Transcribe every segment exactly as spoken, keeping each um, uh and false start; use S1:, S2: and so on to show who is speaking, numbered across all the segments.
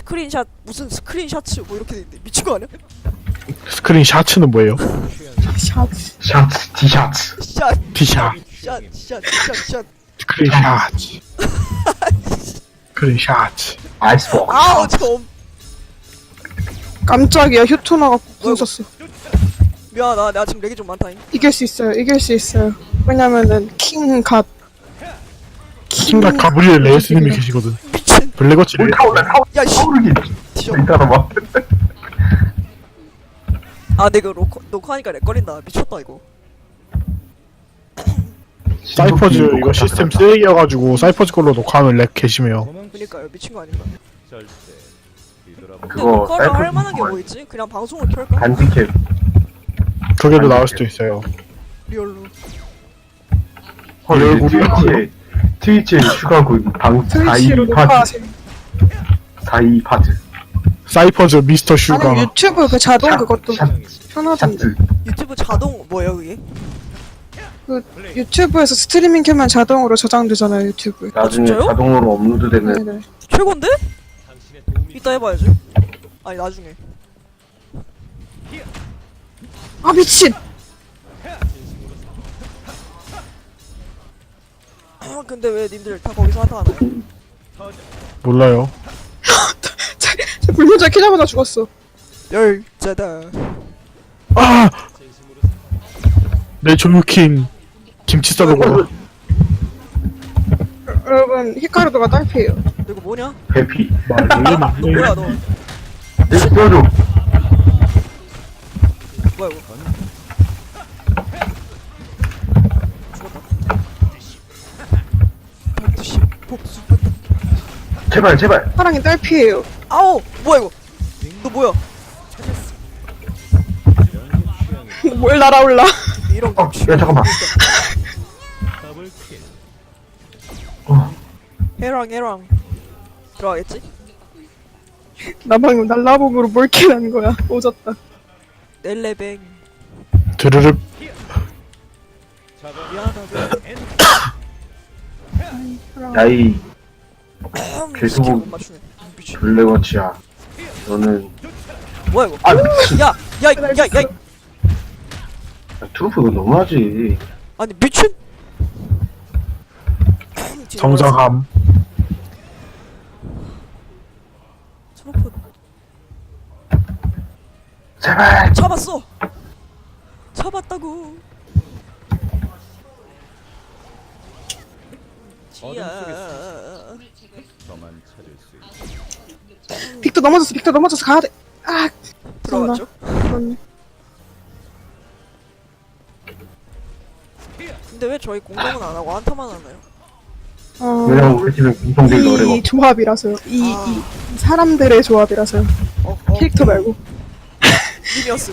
S1: 스크린샷 무슨 스크린샷츠 뭐 이렇게 돼 있는데 미친 거 아니야?
S2: 스크린 샤츠는 뭐예요?
S3: 샤츠.
S4: 샤츠, 티샤츠.
S1: 샷,
S2: 티샷.
S1: 샷, 샷, 샷, 샷.
S2: 스크린 샤츠. 스크린 샤츠.
S4: 아이스버거.
S1: 아우 좀
S3: 깜짝이야, 휴토 나갖고 궁
S1: 어이구.
S3: 썼어.
S1: 미안하다. 내가 지금 렉이 좀 많다잉.
S3: 이길 수 있어요, 이길 수 있어요. 왜냐면은, 킹갓.
S2: 킹과 가브리엘 레이스님이 계시거든.
S1: 미친.
S2: 블랙워치
S4: 뭘
S2: 레이스.
S4: 타올라, 타올라,
S1: 야 씨.
S4: 타오르기.
S1: 티셔.
S4: 이따라봐.
S1: 아 내가 녹화 녹화하니까 렉 걸린다. 미쳤다 이거.
S2: 사이퍼즈 이거 시스템 쓰레기여가지고 사이퍼즈 걸로 녹화하면 렉 개심해요.
S1: 그니까요. 미친 거 아닌가? 근데
S4: 그거
S1: 녹화를 할
S4: 사이퍼즈
S1: 만한 게 뭐 있지? 그냥 방송을 켤까?
S4: 반디캡.
S2: 그게도 나올 수도 있어요.
S1: 리얼로.
S4: 헐,
S2: 이
S4: 이제
S2: 얼굴이-
S4: 트위치에, 트위치에 추가고 방
S3: 트위치로
S4: 사십이 파트.
S3: 녹화하세요.
S4: 사십이 파트.
S2: 사이퍼즈 미스터 슈가.
S3: 아니, 유튜브 그 자동
S4: 샤-
S3: 그것도
S4: 샤-
S3: 편하던데.
S4: 샤츠.
S1: 유튜브 자동 뭐야 그게?
S3: 그, 유튜브에서 스트리밍 켜면 자동으로 저장되잖아요, 유튜브에.
S4: 나중에
S1: 진짜요?
S4: 자동으로 업로드되는
S3: 네네.
S1: 최곤데? 이따 해봐야지. 아니 나중에.
S3: 아, 미친!
S1: 아, 근데 왜 님들 다 거기서 하다 하나요?
S2: 몰라요.
S3: 제, 제 불문자 키자마자 죽었어.
S1: 열자다.
S2: 아! 내 조유킹 김치 싸러 가.
S3: 여러분, 히카르도가 딸피예요.
S1: 너 이거 뭐냐?
S4: 회피.
S1: 뭐야 너?
S4: 내 뼈줘.
S1: 뭐야 이거? 죽었다. 복수 복수.
S4: 제발, 제발.
S3: 사랑이 딸피예요.
S1: 아우 뭐야 이거? 너 뭐야?
S3: 뭘 날아올라.
S1: 이런
S4: 어,
S1: 거.
S4: 야, 잠깐만. 어,
S1: 해랑 해랑 들어가겠지?
S3: 나 방금 날라봄으로 뭘 캐는 거야. 오졌다.
S1: 넬레뱅.
S2: 드르륵.
S1: 미안하다.
S4: 야이
S1: 스킬
S4: 계속
S1: 못 맞추네. 미친.
S4: 블랙워치야. 너는
S1: 뭐야 이거?
S4: 아 미친.
S1: 야, 야, 야, 야, 야.
S4: 야, 트루프 이거 너무하지.
S1: 아니 미친.
S2: 정정함.
S1: 트로프
S4: 제발.
S1: 잡았어. 잡았다고. 지야.
S3: 빅터 넘어졌어, 빅터 넘어졌어. 가야 돼. 아,
S1: 들어갔죠?
S3: 그렇네.
S1: 근데 왜 저희 공격은 안 하고 한타만 하나요?
S3: 어,
S4: 왜냐면 우리 팀은 공통된 노래가
S3: 이 조합이라서요. 이,
S1: 아.
S3: 이 사람들의 조합이라서요.
S1: 어, 어.
S3: 캐릭터 말고.
S1: 님이었음.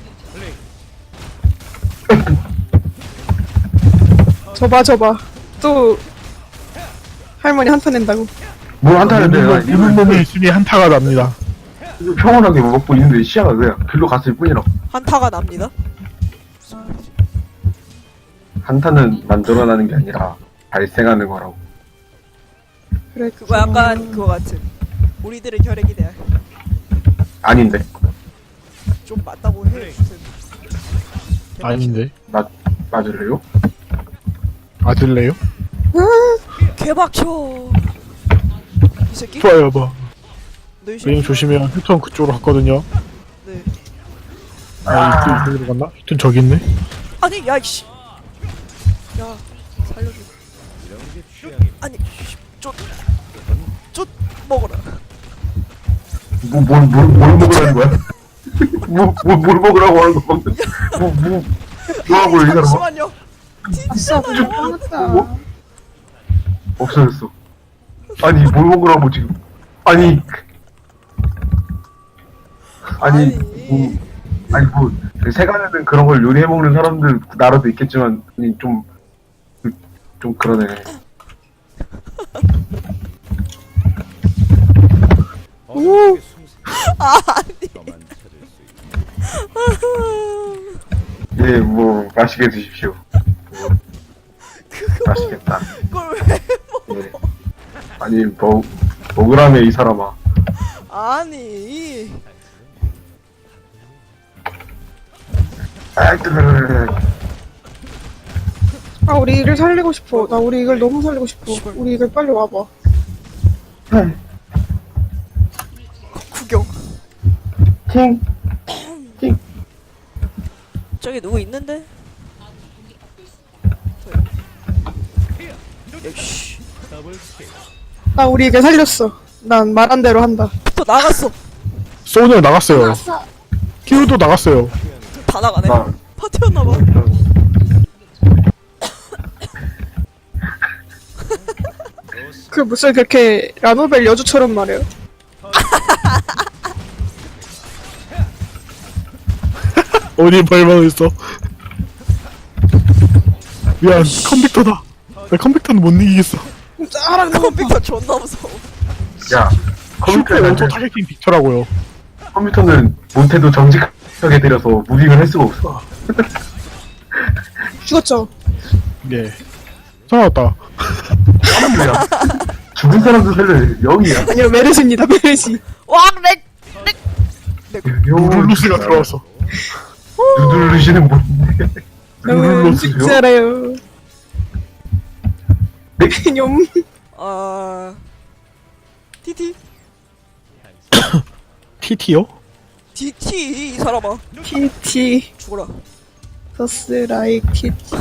S3: 저봐, 저봐. 또, 할머니 한타 낸다고.
S4: 뭘 한타는데 나
S2: 입은 몸에 있으니 한타가 납니다.
S4: 평온하게 먹고 있는데 시야가 그냥 글로 갔을 뿐이라고.
S1: 한타가 납니다.
S4: 한타는 만들어나는 게 아니라 발생하는 거라고.
S3: 그래,
S1: 그거 약간 그거 같은. 우리들의 혈액이 돼야
S4: 아닌데.
S1: 좀 맞다고 해. 무슨.
S2: 아닌데.
S4: 맞 맞을래요?
S2: 맞을래요?
S1: 개박쳐. 이 새끼?
S2: 좋아요, 봐.
S1: 너이
S2: 왜냐면
S1: 새끼?
S2: 조심해요. 휴턴 그쪽으로 갔거든요.
S1: 네.
S2: 아, 휴턴 이쪽으로 갔나? 휴턴 저기 있네.
S1: 아니 야 이씨. 야 살려줘. 아니 쫓쫓 먹어라.
S4: 뭐뭘뭘 뭘, 뭘 먹으라는 거야? 뭐뭘 뭘 먹으라고 하는 거 방금? 뭐뭐 뭐하고 이 사람아?
S1: 잠시만요.
S3: 아싸,
S1: 튀잖아요.
S3: 끝났다.
S4: 없어졌어. 아니 뭘 먹으라고 지금? 아니 아니
S1: 아니.
S4: 뭐 아니 뭐 세간에는 그런 걸 요리해 먹는 사람들 나라도 있겠지만 아니 좀 좀 그러네.
S3: 오,
S4: 예, 뭐 맛있게 드십시오. 뭐, 맛있겠다.
S1: 그걸 왜?
S4: 예. 아니 뭐 먹으라며 이 사람아.
S1: 아니
S4: 아, 뜨르르르르.
S3: 아 우리 이글 살리고 싶어. 나 우리 이글 너무 살리고 싶어.
S1: 씨발.
S3: 우리 이글 빨리 와봐.
S1: 구경.
S4: 팅.
S1: 저기 누구 있는데? 역시
S3: 나 우리 이글 살렸어. 난 말한 대로 한다.
S1: 또 나갔어.
S2: 소니어 나갔어요. 키우도 나갔어요.
S1: 다 나가네.
S4: 아.
S1: 파티였나봐.
S3: 그 무슨 그렇게 라노벨 여주처럼 말해요.
S2: 어디 발망 있어? 미안, 컴퓨터다. 나 컴퓨터는 못 이기겠어.
S3: 짜랑
S1: 컴퓨터 존나 무서워.
S4: 야,
S2: 슈퍼
S4: 컴퓨터는
S2: 오토 타겟팅 빅터라고요.
S4: 컴퓨터는 못해도 정직하게 때려서 무빙을 할 수가 없어.
S3: 죽었죠.
S2: 예. 살아났다.
S4: 야, 죽은 사람도 살려 영이야.
S3: 아니요 메르시입니다 메르시.
S1: 와 렉.
S2: 루루루스가 들어왔어.
S4: 누들루시는 뭔데?
S3: 너무
S2: 루루루스요?
S3: 죽지 않아요.
S4: 네?
S3: 념.
S1: 아 티티
S2: 티티요?
S1: 티티 이 사람아
S3: 티티
S1: 죽어라.
S3: 더스 라이크 티티.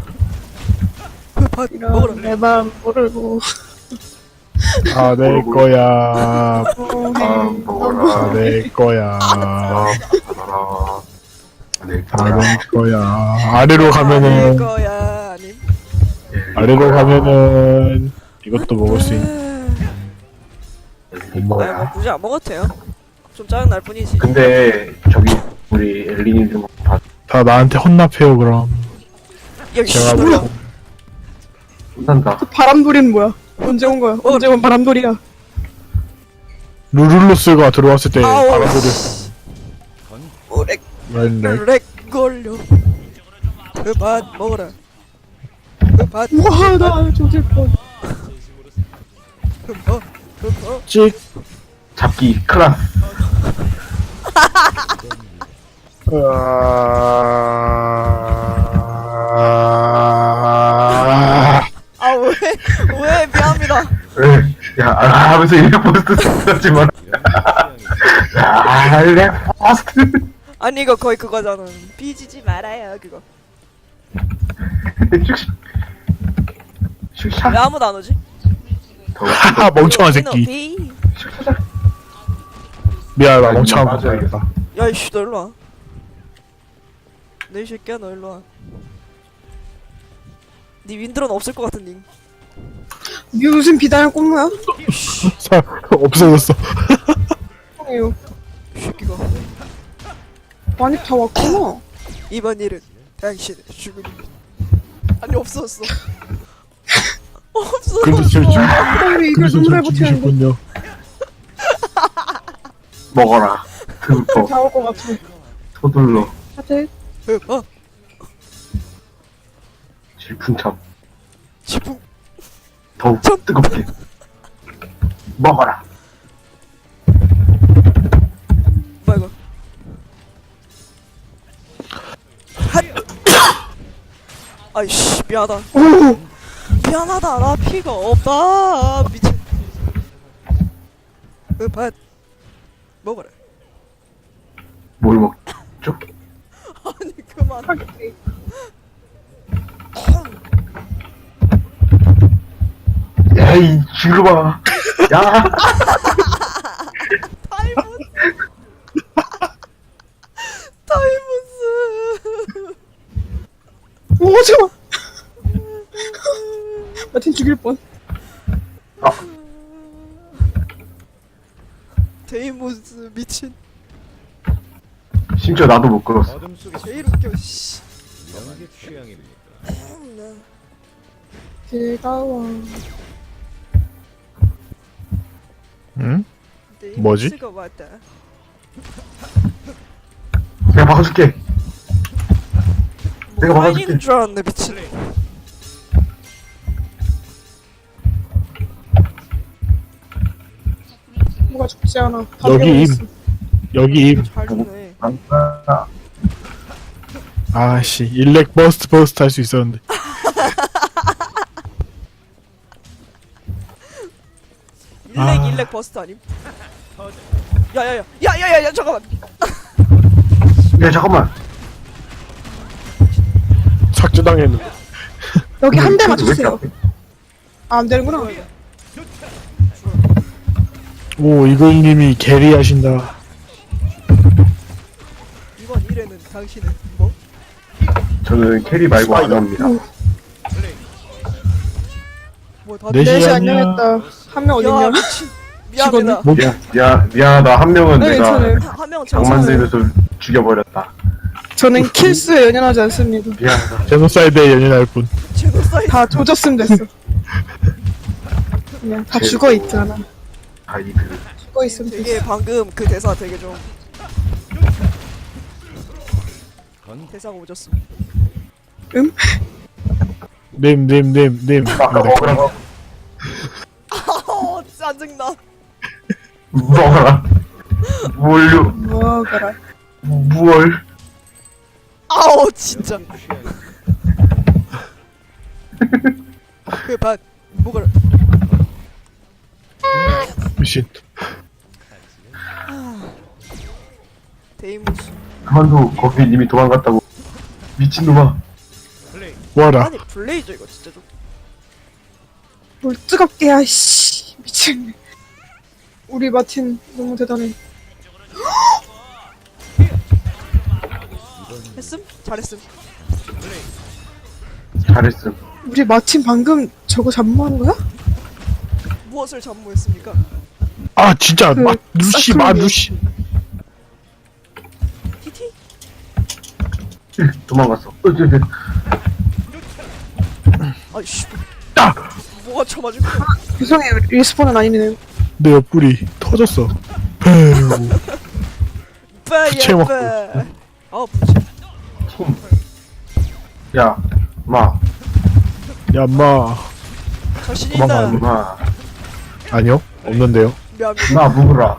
S1: 그밥 먹어라.
S3: 이런 내맘 모르고.
S2: 아, 내 거야.
S3: 어,
S4: 아,
S3: 해.
S4: 먹어라.
S2: 아, 내 거야.
S4: 아, 받아라. 네,
S2: 아,
S4: 받아라.
S2: 내 거야. 아래로
S1: 내
S2: 가면은,
S1: 거야 아님.
S2: 아래로 가면은, 이것도 먹을 수 있,
S4: 네,
S2: 못
S1: 아니
S2: 먹어요.
S1: 뭐 굳이 안 먹어도 돼요. 좀 짜증 날 뿐이지.
S4: 근데 저기 우리 엘리님 좀 봐.
S2: 다 나한테 혼납해요, 그럼.
S1: 여기
S2: 제가
S1: 뭐야?
S2: 뭐,
S4: 혼난다.
S3: 그 바람돌이는 뭐야? 언제 온 거야? 언제 온 바람돌이야?
S2: 루룰루스가 들어왔을 때,
S1: 아우.
S2: 바람소리,
S3: 오렉.
S2: 렌렉.
S1: 렉 걸려. 그밥 먹어라. 그밥
S3: 와, 나 죽일 뻔.
S1: 그밥 그밥.
S2: 찍.
S4: 잡기 클라스.
S2: 아...
S1: 아왜왜 미안합니다.
S4: 에, 야, 아, 하면서 이래 포스트 썼지 마라. 야, 이래 포스트.
S1: 아니 이거 거의 그거잖아. 삐지지 말아요 그거.
S4: 슉슉.
S1: 왜
S4: 슉샥.
S1: 아무도 안 오지?
S2: 하하, 멍청한 새끼.
S1: 비.
S2: 미안하다,
S4: 아니,
S2: 멍청한
S4: 맞아요.
S2: 거 봐야겠다.
S1: 야 이씨 너 일로 와. 너 이 새끼야 너 일로 와. 니 윈드로는 없을 것 같은 님.
S3: 무슨 비단을 꼽는 거야?
S2: 사, 없어졌어.
S3: 이요.
S1: 이 새끼가.
S3: 많이 다 왔구나.
S1: 이번 일은 당신의 죽음입니다. 아니 없었어. 없었어.
S2: 그래서 제일 중,
S3: 우리 이걸
S2: 그래서
S3: 너무 잘
S2: 제일
S3: 버티는데.
S2: 중이셨군요.
S4: 먹어라. 드부터
S3: 다 올 것 같아.
S4: 서둘러.
S3: 다들
S1: 어, 어,
S4: 질풍참.
S1: 지붕.
S4: 더욱 뜨겁게. 먹어라.
S1: 뭐야 이거? 핫. 아이씨 미안하다.
S3: 오.
S1: 미안하다 나 피가 없다. 미친. 그밥 먹어라.
S4: 뭘 먹죠?
S1: 아니 그만.
S4: 야, 이 지루봐. 야.
S1: 타이머스. 타이머스.
S3: 오 잠깐. 마틴 죽일 뻔.
S1: 데이모스 미친.
S4: 심지어 나도 못 끌었어.
S5: 어둠 속에
S1: 제일 웃겨 씨.
S5: 이런 게 취향입니까?
S3: 즐거워.
S2: 응? 뭐지?
S1: 데이모스가 왔다.
S4: 내가 막아줄게. 내가
S1: 뭐
S4: 막아줄게.
S1: 아니는 줄 알았네 미친.
S3: 뭐가 죽지 않아. 다
S2: 여기 임.
S3: 배워있어.
S2: 여기 임.
S1: 잘 죽네.
S4: 아,
S2: 아씨 일렉 버스트 버스트 할 수 있었는데.
S1: 일렉
S2: 아.
S1: 일렉 버스트 아님? 야야야 야야야야 잠깐만.
S4: 야 잠깐만.
S2: 삭제당했는데.
S3: 여기 한 대
S4: 왜 이렇게
S3: 맞췄어요.
S4: 앞에?
S3: 아, 안 되는구나.
S2: 오 이글님이 게리하신다.
S1: 이번 일에는 당신은 뭐?
S4: 저는 캐리 말고 안 합니다.
S1: 뭐 다들
S2: 넷이
S3: 넷이
S2: 안녕.
S3: 안녕했다. 한 명
S1: 야
S3: 어딨냐?
S1: 미친. 미안합니다.
S2: 뭐?
S4: 미안, 미안, 미안하다. 한 명은
S3: 네,
S4: 내가
S3: 괜찮아요.
S1: 한명
S4: 장만 들면서 죽여버렸다.
S3: 저는 킬수에 연연하지 않습니다.
S4: 미안하다.
S2: 제노사이드에 연연할 뿐.
S1: 제노사이드.
S3: 다 조졌으면 됐어. 그냥 다
S4: 제-
S3: 죽어 있잖아.
S4: 아, 이들.
S3: 죽어 있으면
S1: 되게
S3: 됐어.
S1: 방금 그 대사 되게 좀 대사가 오졌어.
S3: 음?
S2: 님님님님.
S4: 아까 먹으라고.
S1: 어 짜증나.
S4: 먹어라. 뭘요?
S3: 뭐가라.
S4: 무얼?
S1: 아우 진짜. 그반 뭐가
S2: 미신.
S1: 데이모스.
S4: 그만둬. 거기 이미 도망갔다고. 미친놈아.
S2: 뭐하라.
S1: 아니 블레이저 이거 진짜 좀.
S3: 뭘 뜨겁게 야 씨. 미쳤네. 우리 마틴 너무 대단해.
S1: 했음? 잘했음.
S4: 잘했음.
S3: 우리 마틴 방금 저거 잠무한 거야?
S1: 무엇을 잠무했습니까?
S2: 아 진짜
S3: 그
S2: 마 루시 마
S3: 사투리.
S2: 루시.
S1: 티티?
S4: 도망갔어. 어, 저, 저.
S1: 아이씨.
S2: 아!
S1: 뭐가 쳐맞은 거야?
S3: 죄송해요. 리스폰은 아니네요.
S2: 내 옆구리 터졌어. 에휴.
S1: 빠야
S2: 부채 먹고
S1: 빠. 아 부채.
S4: 톰. 야, 마.
S2: 야 마.
S1: 자신
S2: 도망가,
S1: 있나?
S4: 마.
S2: 아니요 없는데요.
S1: 미안.
S4: 마, 묵으라.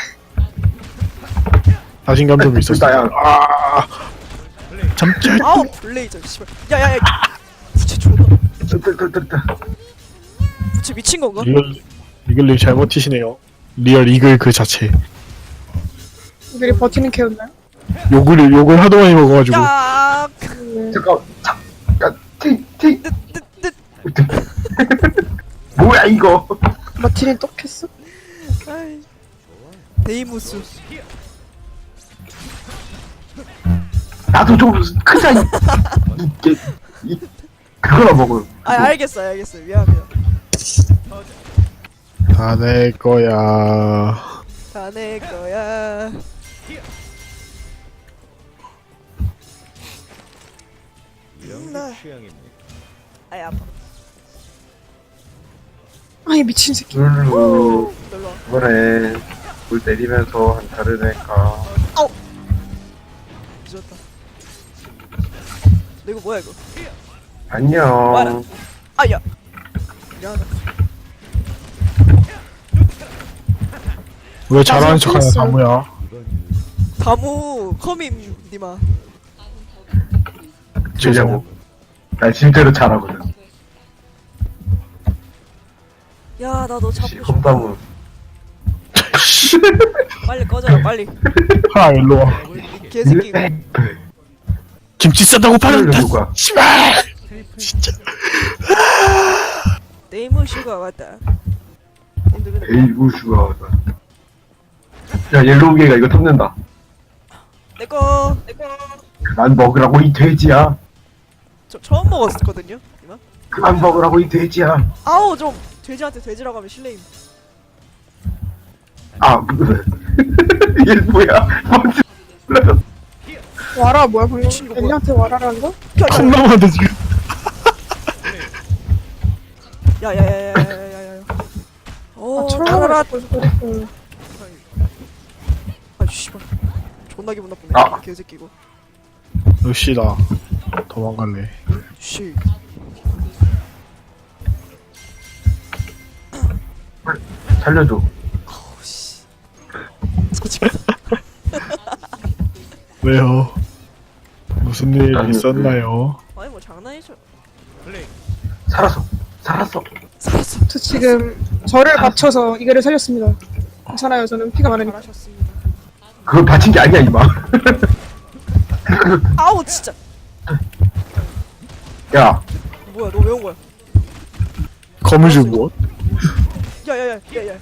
S2: 자신감 좀 있었어.
S4: 나야.
S2: 아. 잠자.
S1: 아우 블레이저 씨발. 야야야. 부채 존나.
S4: 뜨뜨뜨뜨.
S1: 부채 미친 건가?
S2: 이글 이글님 잘못 튀시네요. 리얼 이글 그 자체.
S3: 우리 버티는 캐였나요?
S2: 욕을 욕을 하도 많이 먹어가지고.
S1: 야.
S3: 네.
S4: 잠깐. 자, 야, 티, 티.
S1: 뜻뜻뜻.
S4: 뭐야, 이거.
S3: 마틴이 똑했어?
S1: 아이. 데이모스.
S4: 나도 좀 크자, 이. 이, 이, 그거나 먹어요.
S1: 아 알겠어 알겠어 미안해요.
S2: 다 내 거야.
S1: 다 내 거야.
S5: 이런
S1: 나-
S5: 게 취향입니까?
S1: 아이 아파.
S3: 아이 미친 새끼.
S4: 룰루.
S1: 놀러 와.
S4: 그래. 물 내리면서 한 다른 애가.
S1: 늦었다. 너 이거 뭐야 이거?
S4: 안녕.
S1: 와라. 아야. 미안하다.
S2: 왜 잘하는
S3: 나
S2: 척하냐
S3: 생각했어요.
S2: 다무야.
S1: 다무 커민 니마.
S4: 죄송해요. 나 진짜로 잘하거든.
S1: 야 나 너 잡고
S4: 씨,
S1: 싶어.
S4: 컵다무.
S1: 빨리 꺼져라 빨리.
S2: 하 일로 와.
S1: 이 개새끼.
S2: 김치 싸다고 파는 다.
S4: 누가?
S2: 씨발. 진짜.
S1: 네이머 슈가 왔다. 근데 근데
S4: 에이, 우슈가. 야, 옐로우게가 이거 탐낸다.
S1: 내꺼 내꺼.
S4: 그만 먹으라고, 이 돼지야.
S1: 저 처음 먹었거든요. 이마.
S4: 그만 먹으라고, 이 돼지야.
S1: 아우 좀 돼지한테 돼지라고 하면 실례임.
S4: 아, 이게 뭐야? 뭔지 몰라.
S3: 와라 뭐야 방금?
S1: 미친 거 뭐야?
S3: 엘리한테 와라라는 거?
S2: 콩 남았는데 지금.
S1: 야야야야야야야. 어
S3: 아
S1: 차라라.
S3: 철학을 그랬어.
S1: 아 씨발. 존나 기분 나쁘네.
S4: 아.
S1: 개새끼고.
S2: 루시다. 도망갈래.
S1: 씨.
S4: 살려줘.
S1: 씨.
S2: 왜요? 무슨 일
S4: 아니,
S2: 있었나요?
S1: 아니 뭐 장난이죠.
S4: 살았어. 살았어.
S1: 살았어.
S3: 저 지금 저를 바쳐서 이거를 살렸습니다. 괜찮아요. 저는 피가 많으니까.
S1: 잘하셨습니다.
S4: 그걸 바친 게 아니야 이마.
S1: 아우 진짜.
S4: 야,
S1: 뭐야 너 왜 온 거야?
S2: 거미줄 무엇?
S1: 야야야 야야.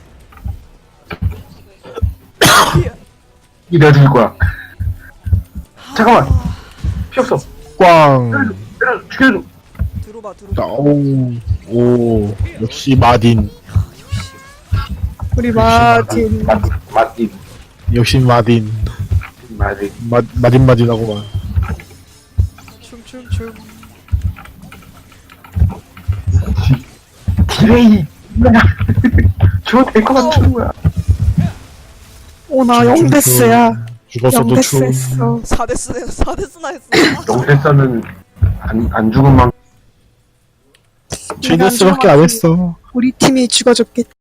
S4: 이 내가 죽일 거야. 잠깐만. 피 없어.
S2: 꽝.
S4: 때려, 죽여줘.
S1: 들어봐 들어봐.
S2: 오, 오, 역시 마딘.
S3: 우리 마틴.
S4: 맛, 맛있.
S2: 역시 마딘.
S4: 맛있.
S2: 마, 마딘 마딘하고만.
S1: 춤춤춤.
S4: 디레이. 저될것 같은 거야.
S3: 오나 영데스야.
S2: 죽었어도
S3: 영데스
S2: 춤.
S3: 했어.
S1: 사 데스네 사 데스나 했어.
S4: 영세사는 안, 안 죽은 만
S2: 칠데스밖에 안 했어.
S3: 우리 팀이 죽어줬겠지.